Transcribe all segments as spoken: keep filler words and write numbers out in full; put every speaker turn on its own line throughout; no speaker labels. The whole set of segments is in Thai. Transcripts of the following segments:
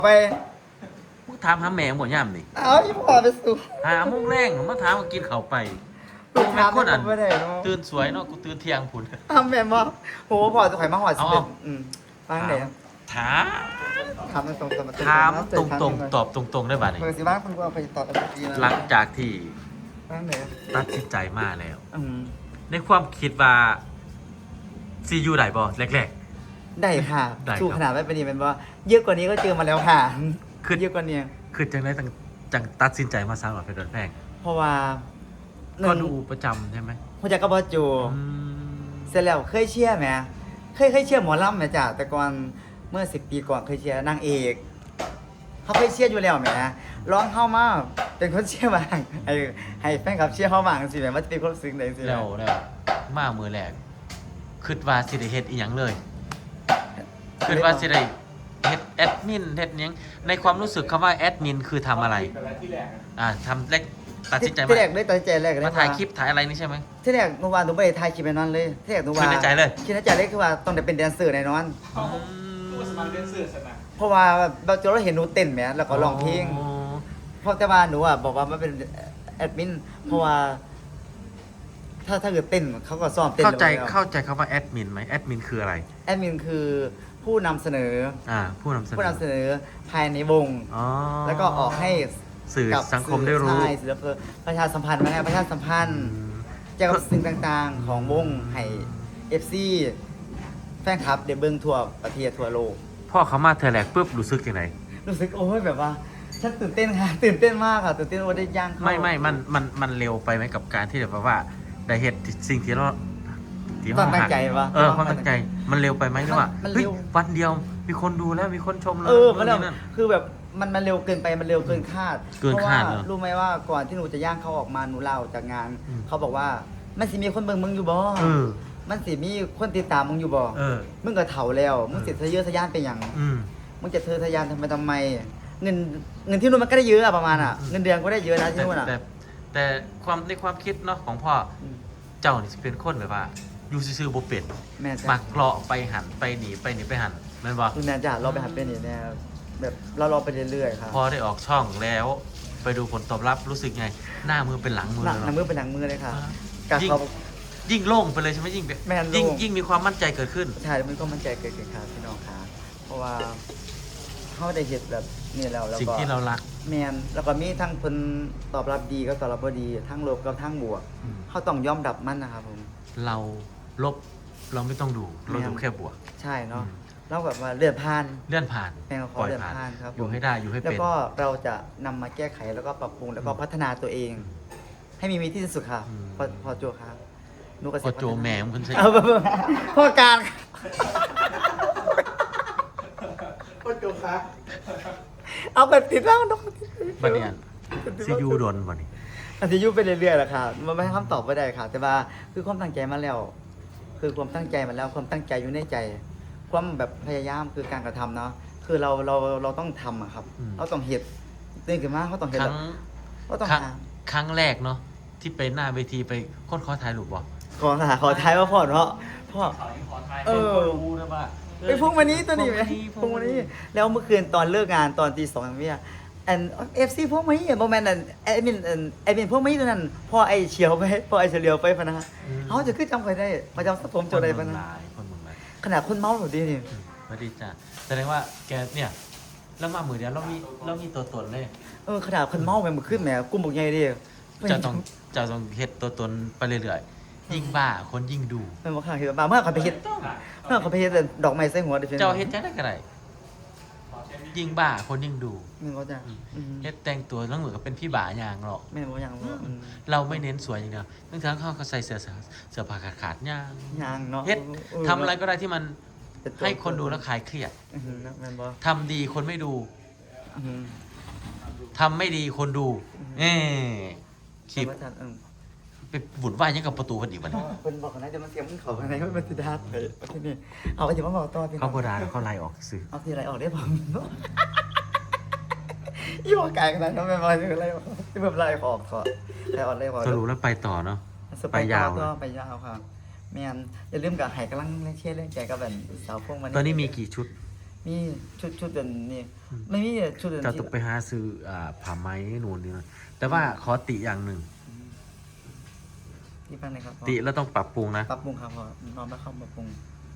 ไป
มึงถามหาแม่หมดย่ำนี่
เอาอีพ่อไปสู่
หาโมงแรงมาถามมากินข้าวไป
ลูกค้า
คนอัน
ไม่ได้เนาะ
ตื่นสวยเนาะกูตื่นเที่ยงพุ่น
ทำแบบว่าโหพ่อจะข่อยมาหอดสิ
เอา
เป็น
เอา
อืมฟังเดี๋ยว
ถาม
ถามตรงๆ
ถามตรงๆตอบตรงๆได้บ่านี่
เปิดสิบ้างคุณก็เอาไปตอบกันทีนะ
หลังจากที่
ฟังเดี๋ยว
ตัดสินใจมาแล้ว
อืม
ในความคิดว่าซียูได้บ่แรก
ได้ค่ะ
ได้ครับ
สู้ขนาดไม่เป็นดีเป็นว่าเยอะกว่านี้ก็เจอมาแล้วค่ะ
คือ
เยอะกว่านี้
ๆคือจังได้จังจังตัดสินใจมาสร้างหลักเพชรโดนแพง
เพราะว่าห
ก็
นึ่ง
ดูประจำใช่ไหม
หัวใจกก็บอจู
อืม
เสร็จแล้วเคยเชียร์ไหมเคยเคยเชียร์หมอลำไหมจ้ะแต่ก่อนเมื่อสิบปีก่อนเคยเชียร์นางเอกเขาเคยเชียร์อยู่แล้วไหมร้องเข้ามาเป็นคนเชียร์บางให้ให้แฟนคลับเชียร์เข้าบางสิแหมว่าจะเป็นคนซึ้งไหนสิ
แล้วแล้วมามือแรกคิดว่าสิได้เฮ็ดอีหยังเลยคิดว่าสิได้เฮ็ดแอดมินเฮ็ดหยังในความรู้สึกคำว่าแอดมินคือทำอะไรอ่าทำแรกตัดสินใจ
ที่
มา
แรกเลยตัดสินใจแรกเลย
มาถ่ายคลิปถ่ายอะไรนี่ใช่ไหม
ที่แรกหนูว่าหนูไม่ได้ถ่ายคลิปไปนอนเลยที่แรกหนูว่า
คิดในใจเลย
คิดในใจเลยคือว่าต้องได้เป็นแดนเซอร์แน่นอน
อืม
สมัครเรียนสื่อสนะ
เพราะว่าเราจะเราเห็นหนูเต้นไหมแล้วก็ร้องเพลง
อ๋อ
เพราะแต่ว่าหนูอ่ะบอกว่ามันเป็นแอดมินเพราะว่า ถ้าถ้าเกิดเต้นเขาก็ซ้อมเต้น
เข้าใจ
แล้ว
เข้าใจคำว่าแอดมินไหมแอดมินคืออะไร
แอดมินคือผู้นำเสนอ
อ่าผู้นำเสนอ
ผู้นำเสนอภายในวง
อ๋อ
แล้วก็ออกให้
สื่อ
กับ
สังคมได้รู้
ใช่ศิลปะประชาสัมพันธ์มาให้ประชาสัมพันธ์
อืม
เกี่ยวกับสิ่งต่างๆ ของวงให้เอฟซีแฟนคลับเดเบิงทั่วประเทศทั่วโลก
พ่อเขามาเทอแลกปุ๊บรู้สึกยังไง
รู้สึกโอ้ยแบบว่าฉันตื่นเต้นค่ะ ตื่นเต้นมากค่ะตื่นเต้นว่าได้ย่างเข้า
ไม่ไม่มันมันมันเร็วไปไหมกับการที่แบบว่าได้เห็นสิ่งที่เราที่
ความ
เรา
ตั้ง
หัก
ใจวะ
เออความตั้งใจมันเร็วไปไหมหรือว่า
มัน
เฮ้ย
เร็ว
วันเดียวมีคนดูแล้วมีคนชมแล้ว
เออมันเร็ว
นู่นนี่นั่น
คือแบบมันมันเร็วเกินไปมันเร็วเกินคาด
เกิน
เพราะ
คา
ว่า
ดเหรอ
รู้ไหมว่าก่อนที่หนูจะย่างเขาออกมาหนูเล่าจากงาน
อืม
เขาบอกว่ามันสิมีคนเบิ่งมึงอยู่บ่
เออ
มันสิมีคนติดตามมึงอยู่บ่
เออ
มึงก็เฒ่าแล้วมึงสิทะเยอทะยานเป็นหยัง
อืม
มึงจะเธอทะยานทำไมทำไม เงินเงินที่นู่นมันก็ได้เยอะอะประมาณอะ
อืม
เงินเดือนก็ได้เยอะนะที่
แต่
นู่นอะ
แต่แต่ความในความคิดเนาะของพ่อ
อืม
เจ้านี่สิเป็นคนแบบว่าอยู่ซื่อๆบ่เป็น
แม่จ้ะ
มักเลาะไปหันไปหนีไปหนีไปหันแม่นบ่
คุณแม่จ้ะเราไปหาเป็นนี่แน่แบบเรารอไปเรื่อยๆครับ
พอได้ออกช่องแล้ว ไปดูผลตอบรับรู้สึกไง หน้ามือเป็นหลังมือ
หนัง
เลย
หนัง
เนาะ
มือเป็นหนังมือเลยค่ะ
อ่า
การ
ยิ่ง
เขา
ยิ่งโล่งไปเลยใช่ไหมยิ่ง
แม่นโล่ง
ยิ่งยิ่งมีความมั่นใจเกิดขึ้น
ใช่มันก็มั่นใจเกิดขึ้นครับพี่น้องค่ะเพราะว่าเขาได้เห็นแบบนี่แล้วแล้ว
สิ่ง
ก็
ที่เรารัก
แมนแล้วก็มีทั้งคนตอบรับดีก็ตอบรับบ่ดี ทั้งลบกับทั้งบวก
อืม
เขาต้องยอมรับมันนะครับผม
เราลบเราไม่ต้องดู เราดูแค่บวก
ใช่เนาะ
อืม
เราแบบว่าเลื่อนผ่าน
เลื่อนผ่าน
แม่งขอ
ปล่อย
เลื่อน
ผ่าน
ผ่านครับ
อยู่ให้ได้อยู่ให้
แล้ว
เป็น
ก็เราจะนำมาแก้ไขแล้วก็ปรับปรุงแล้วก็พัฒนาตัวเอง ให้มีมีที่สุดค่ะ
อืม
พอพอโจครับนุกกระ
พอโจแหมมคุณใช่
เอาแบบพ่อการพ่อโจครับเอาแบบติดแล้วน้อง
บัดเนียนซียูโดนวันนี้
อาจจะยุ่ไปเรื่อยๆแหละค่ะมันไม่ให้คำตอบไม่ได้ค่ะ แต่ว่าคือความตั้งใจมาแล้ว คือความตั้งใจมาแล้ว ความตั้งใจอยู่ในใจ ความแบบพยายามคือการกระทำเนาะคือเราเราเราต้องทำอะครับ
อืม
เราต้องเห็ดตื่นขึ้นมาเขาต้องเห็ด
ครั้ง
เราต้อง
ครั้ง
หา
ครั้งแรกเนาะที่ไปหน้าเวทีไปคนขอถ่ายรูปบ่
ขอหาขอท้ายว่าพ่อเนาะพ่อ
ขอขอไทย
เออ
รู้นะว่า
ไอ้พวกวันนี้ตัวนี้ไหม
พ
พ
ว
ว
ก
ก
วั
วัน น
นี้
นี้แล้วเมื่อคืนตอนเลิกงานตอนตีสองเนี่ยอันเอฟซีพวกนี้โมเมนต์อันไอ้มินอันไอ้มินพวกนี้ตัวนั้นพ่อไอ้เฉียวไปพ่อไอ้เฉลียวไปพะนะเขาจะขึ้นจำใครได้มาจำสัผมโจได้ปะนะ
คนเมืองหลายคนเมืองหลาย
ขนาดคนเมาหนูดีนี่
สวัสดีจ้ะแสดงว่าแกเนี่ยแล้วมามือเดียวเรามีเรามีตัวตนเลย
เออขนาดคนเมาแม่งมันขึ้นแหมกุ้มบุกใหญ่ดิ
จะต้องจะต้องเฮ็ดตัวตนไปเรื่อยๆยิ่งบ้าคนยิ่งดู
แม่งบอกข้างเห็นบ้าเมื่อเขาไปเฮ็ดเมื่อเขาไปเฮ็ดแต่ดอกไม้ใส่หัวดิ
เจ้าเฮ็ดจังได๋ก็ได้ยิ่งบ้าคนยิ่งดู
แม่งเขาจะอืม
เฮ็ดแต่งตัวแล้วเหมือนกับเป็นพี่บ้าอย่างหรอก
แม่งบอกอย่างว่าอืม
เราไม่เน้นสวยอย่างเดียวบางครั้งเขาก็ใส่เสื้อเสื้อผ้าขาดๆย่าง
ยางเนาะ
เฮ็ด
ออ
ทำอะไรก็ได้ที่มัน
เป็นตัว
ให้คนดูแล้วคลายเครียด
อือหือนะแม่นบ่
ทำดีคนไม่ดู
อือหือ
ทำไม่ดีคนดูเอ๊คลิป
แม่นบ่ทันเออ
ไปบุญไหว้ยังกับประตูคนอีกวันนี้
เพิ่นบอกกันนะจะมาเสียงมึงเขาข้างในมันสิดาไปเอาที่นี่เอาก็สิมาบอกต่อพี่น้
เขา
อง
โบราณเขาไล่ออกซื้อ
เอาที่ไรออกได้บ่อีบอกไก่กันนะแม่บ่สิไรออกที่แบบไล่ออกขอไล่ออกไล่ออก
สรุปแล้วไปต่อเนาะ
ส
ไปยาว
ต่อ
นะ
ไปยาวครับแม่นอย่าลืมกับไห้กำลังเล่นเชียร์เล่นใจกับแบบสาวพวกมัน
ตอนนี้มีกี่ชุด
ตมีชุดชุดเดินนี่ไม่มีชุดเดิน
จะ
ที่
ต้องไปหาซื้ออ่าผ้าไหมนู่นนี่นั่นแต่ว่าขอติอย่างหนึ่ง
ที่พันเลยครับพ่อ
ติแล้วต้องปรับปรุงนะ
ปรับปรุงครับพ่อนอนไม่เข้าปรับปรุง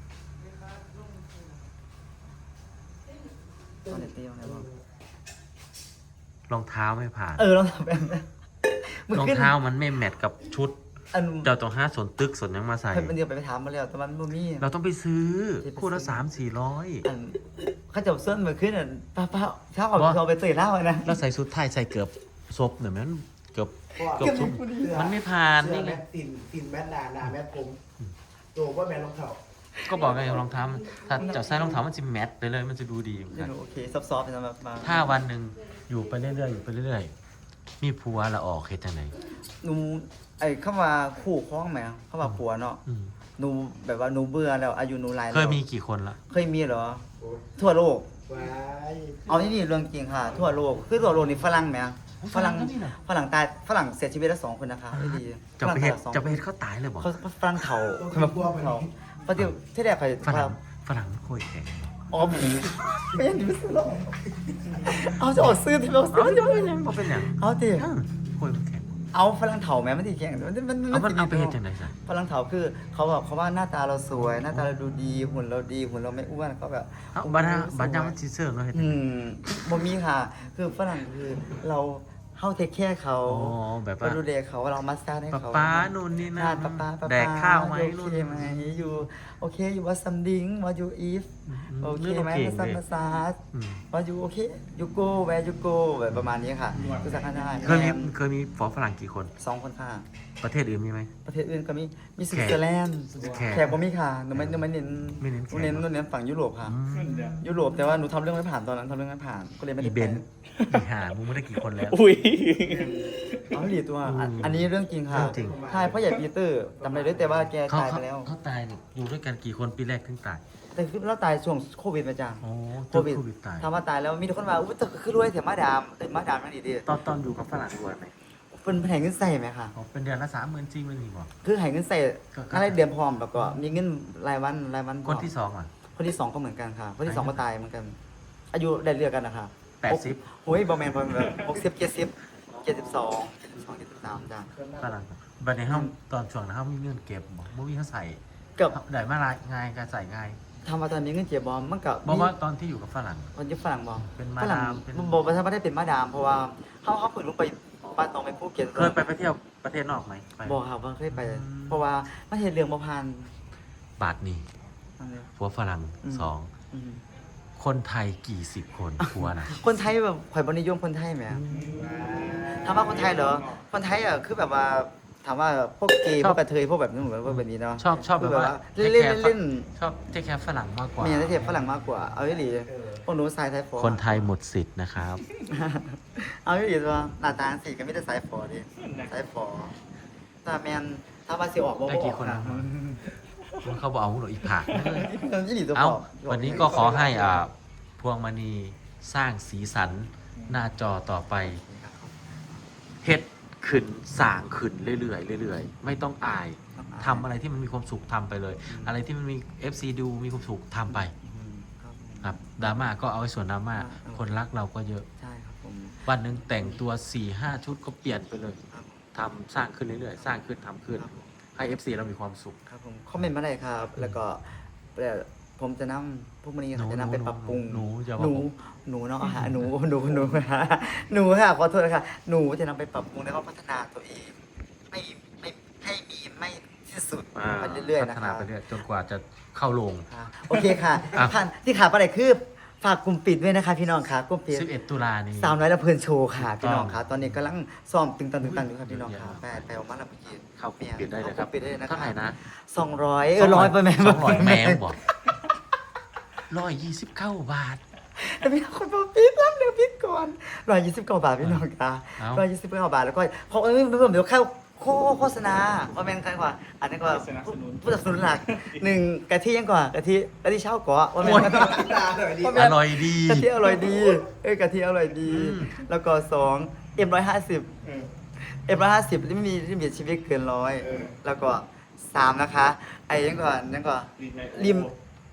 ตอนเด็กตีอะไรบ้าง
รองเท้าไม่ผ่าน
เออลองทำแบบนั้น
รองเท้ามันไม่แมทกับชุด
อัน
เจ้าต้องหาสวนตึกสวนยังมาใส่
เพิ่นเป็นเดียวไปไปถามมาแล้วแต่มันบ่มี
เราต้องไปซื้อ
ไปซื้อ
คู่ละสามสี่ร้อย
อันเขาจะเอาเส้นมาขึ้นอ่ะป้าป้าเช้าเอา
บ่
เอาไปเตยเหล้าอะนะ
แล้วใส่ชุดไทยใส่เกือบซบเนี่ยมันเกือบเกือบ
เก็บ
ซบ
ผู้ดี
มันไม่ผ่าน
เสื้
นี่
อ
ไง
แมทตินตินแมทดาดาแมทผมโจว่าแมทรองเท้า
ก็บอกไงรองเท้ามันถ้าเจ้าใส่รองเท้ามันจะแมทไปเลยมันจะดูดีเหมือนกัน
โอเคซอฟๆนะแบบมา
ถ้าวันหนึ่งอยู่ไปเรื่อยๆอยู่ไปเรื่อยๆมีผัวละออกเฮ็ดจังได
หนูไอ้เข้ามาคู่คล้องไหมเข้ามาผัวเนาะ
อืม
หนูแบบว่าหนูเบื่อแล้วอายุหนูหลายแล้ว
เคยมีกี่คนละ
เคยมีเหรอ ทั่วโลก
ว้าย
เอาที่นี่เรื่องจริงค่ะ ทั่วโลกคือทั่วโลกนี่ฝรั่งไหมฝรั่ง
ก็มีนะ
ฝรั่งตายฝรั่งเสียชีวิตแล้วสองคนนะคะไม่ดี
จะไปเฮ็ด
ฝรั่งตายแล้วสอง
จะไปเฮ็ดเขาตายเลยบ่
เขาฝรั่งเถาคนมาพวกเถาปฏิที่แรกใคร
ฝรั่งฝรั่งมันโคตรแข็ง
อ๋อผีไม่ยันดิสโลเอาจะออกซื้อที่เราซื้
เอา
อ
จะเป็นหยังบ่เป็นหยัง
เอาดิ
เออโคตรมันแข็ง
เอาฝรั่งเถาแม้ไม่ดีแข่งมันมัน
เอามันเอาไปเฮ็ดจังไดซะ
ฝรั่งเถาคือเขาแบบเขาว่าหน้าตาเราสวย หน้าตาเราดูดีหุ่นเราดีหุ่นเราไม่อ้วนเขาแบบ
เอาบัดนะบัดยามมันสิเซิร์ฟเนาะเฮ็ดจั
อื
งได
มบ่มีค่ะ คือฝรั่งคือเราเฮาเทคแคร์เขา
อ๋อแบบว่า
เราดูแลเขาเรามัสซาดให้
ป๊า
เขา
ป๊านู่นนี่นั่
ทาน นป๊าป๊าป๊า
แดกข้าวไหม
โอ
นู่น
เคไหมอยู่โอเคอยู่ว่าซัมดิงว่าอยู่อีฟ
อืม
โอเค
เรื่อง
ไหม
เก่ง
มาซัม
เลย
มาซาส
อืม
ว่าอยู่โอเคยูโกแวร์ยูโกแบบประมาณนี้ค่ะคือสักได้
เคยมี
แมน
เคยมีฝอฝรั่งกี่คน
สองคนค่ะ
ประเทศอื่นมีไหม
ประเทศอื่นก็มีมีสวิตเซอร์แลนด์
แขก
แขกบ่มีค่ะหนูไม่หนูไม่เน้น
ไม่เน้นแขก
หนูเน้นหนูเน้นฝั่งยุโรปค่ะ
อืม
เดี๋ยว
ยุโรปแต่ว่าหนูทำเรื่องไม่ผ่านตอนนั้นทำเรื่องไม่ผ่านก็เลยไม่
อี
ได้
เบ
ไป
นซ์อีหามึงไม่ได้กี่คนแล้ว
อุ้ย
เอาหลีตัวอัน
อืม
อันนี้เรื่องจริงค่ะ
เรื่องจริง
ใช่เพราะใหญ่ปีเตอร์จำได้ด้วยแต่ว่าแก
เขา
ตาย
เขา
ไปแล้ว
เขาตายเนี่ยอยู่ด้วยกันกี่คนปีแรกถึงตาย
แต่คือเราตายช่วงโควิดมาจ้ะ
โอ้
โค
จน
วิด
โควิดตาย
ถามว่าตายแล้วมีทุกคนว่าอุ้ยแต่คือรวยแต่มาดามแต่มาดามนั่นดีดี
ตอนตอนอยู่กับฝรั่งรวยไหม
เป็นแผงเงินใส่ไหมคะ
อ๋อเป็นเดือนละสามหมื่นสี่หมื่นนี่บ่
คือแผงเงินใส่
ก็ก็
อะไรเดือนพร้อมแล้วก็มีเงินรายวันรายวันพ
ค
ร้อน ม
ที่สองอ่ะ
คนที่สองก็เหมือนกันค่ะ คนที่สองก็ตายเหมือนกัน อายุได้เลือกกันนะคะ
แปดสิบ
โอ้ยบอแมนบอแมนแบบหกสิบเจ็ดสิบเจ็ดสิบสองเจ็ดสิบสองเจ็ดสิบสามจ้ะ
ฝรั่งบัดนี้ห้องตอนช่วงนั้นห้องมีเงินเก็บบ่บ่มีเขาใส่
เกับ
ได้มาลายง่ายการใส่ง่าย
ทำมาตอนนี้เงินเจ็บบอมมันกับ
บอกว่าตอนที่อยู่กับฝรั่ง
มันจะฝรั่งบอม
เป็นมา
ฝรั่ง
ดามเป็น
บอกว่าถ้าไม่ได้เป็นมาดาม เพราะว่าเขาเขาฝึกลงไปบ้านตรงไปภูเก็ต
เคยไปไปเที่ยวประเทศนอกไหมไป
บอกครับว่าเคยไป
อืม
เพราะว่ามันเห็นเรื่องบ่พัน
บาทนี่
นั่นเลย
ผัวฝรั่ง
อืม
สอง
อืม
คนไทยกี่สิบคนผัวนะ
คนไทยแบบข่อยบนิยมคนไทยไหมถามว่าคนไทยเหรอ คนไทยอ่ะคือแบบว่าถามว่าพวกเกย์พวกกระเทยพวกแบบนี้เหมือนพวกแบบนี้เนาะ
ชอบชอบแบบว่า
เล่นเล่นเล่น
ชอบเทคแคร์ฝรั่งมากกว่า
มีอะไรเทียบฝรั่งมากกว่า เอาไม่หลีพวกหนูสายไทยฟอ
คนไทยหมดสิทธิ์นะครับ
เอาไม่หลีตัวหน้าตาสีก็ไม่ได้สายฟอดิสายฟอถ้าแมนถ้าว่าสิออกบ่
ได้กี่คน
นะ
มันเขาบอกเอาหนูอีกผัก
ยี่หลีตัว
เอ้า
ฟอ
วันนี้ก็ขอให้อ่าพวงมณีสร้างสีสันหน้าจอต่อไปเฮ็ดขึ้นสร้างขึ้นเรื่อยๆเรื่อยๆ ไม่ต้องอายทำอะไรที่มันมีความสุขทำไปเลย อะไรที่มันมี เอฟ ซี ดูมีความสุขทำไป
อืมครับผม
ครับดราม่าก็เอาไว้ส่วนดราม่า
อ่าอ่า
คนรักเราก็เยอะ
ใช่ครับผม
วันหนึ่งแต่งตัวสี่ห้าชุดก็เปลี่ยนไปเลย
ครับ
ทำสร้างขึ้นเรื่อยๆ สร้างขึ้นทำขึ้น
ครับผม
ให้ เอฟ ซี เรามีความสุข
ครับผมคอมเมนต์มาได้ครับ แล้วก็แต่ผมจะนำพวกมันนี้
หนู
จะนำไปปรับปรุง
หนูอย่า
ห
บอก
นู
ผม
หนูเนาะหาหนูหนูหนูหาหนูค่ะขอโทษนะคะหนูจะนำไปปรับปรุงแล้วก็พัฒนาตัวเอง ไม่ไม่ให้มีไม่ที่สุด
อ่า
ไปเรื่อยๆ
พั
นะ
ฒ
ค
นา
รับ
ไปเรื่อยจนกว่าจะเข้าโรง
ค่ะโอเคค่ะ
อ่ะ
ผ่านที่ขาดไปไหนคือฝากกลุ่มปิดด้วยนะคะพี่น้องค่ะกลุ่มปิด
สิบเอ็ดตุลานี้
สาวน้อยละเพลินโชว์ค่ะ
ถูกต้อง
พี่น้องค่ะตอนนี้กำลังซ้อมตึงตังตึงตังอยู่ค่ะพี่น้องค่ะไปไปออกมาแล้วเมื่อกี้
เข้ากลุ่มปิดได้เลยครับ
ข้ากลุ่มปิดได้เลยนะ
เท่าไหร่นะ
สองร้อยเออร้อยไปไหม
สองร้อยแมงบอกร้อยยี่สิบเก้าบาท
แต่พี่คนบอกปิดรับเดี๋ยวปิดก่อนร้อยยี่สิบเก้าบาทพี่น้องค่ะ
เอ้า
ร้อยยี่สิบเก้าบาทแล้วก็เพราะเอ้ยไม่เพิ่มเดี๋ยวเข้าโฆโฆษณาเพราะแม่นใครกว่า อันนี้ก็ผู้สนับสนุนหลักหนึ่งกะทิยังกว่ากะทิกะทิเช่าก่อว่าแม่น
ตาหน่อยดิ
ว่า
อ
แม่น
ร่อยดี
กะทิอร่อยดี เอ้ยกะทิอร่อยดี
อืม
แล้วก็สองเอ็มร้อยห้าสิบ
เออ
เอ็มร้อยห้าสิบไม่มีลิมิตชีวิตเกินร้อย
เออ
แล้วก็สามนะคะ ไอ้ยังก่อนยังก่อน
รีดใน
ริมไอ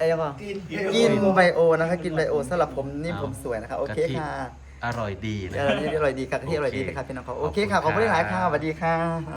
อ้ยังไง
กิน
กินไบโอนะคะกินไบโอสำหรับผมนี่ผมสวยนะคะโอเคค่ะ
อร่อยดีนะ
เดี๋ยวนี้อร่อยดีค่ะกะทิอร่อยดีนะครับพี่น้องเขาโอเคค่ะขอบคุณหลายค่ะสวัสดีค่ะ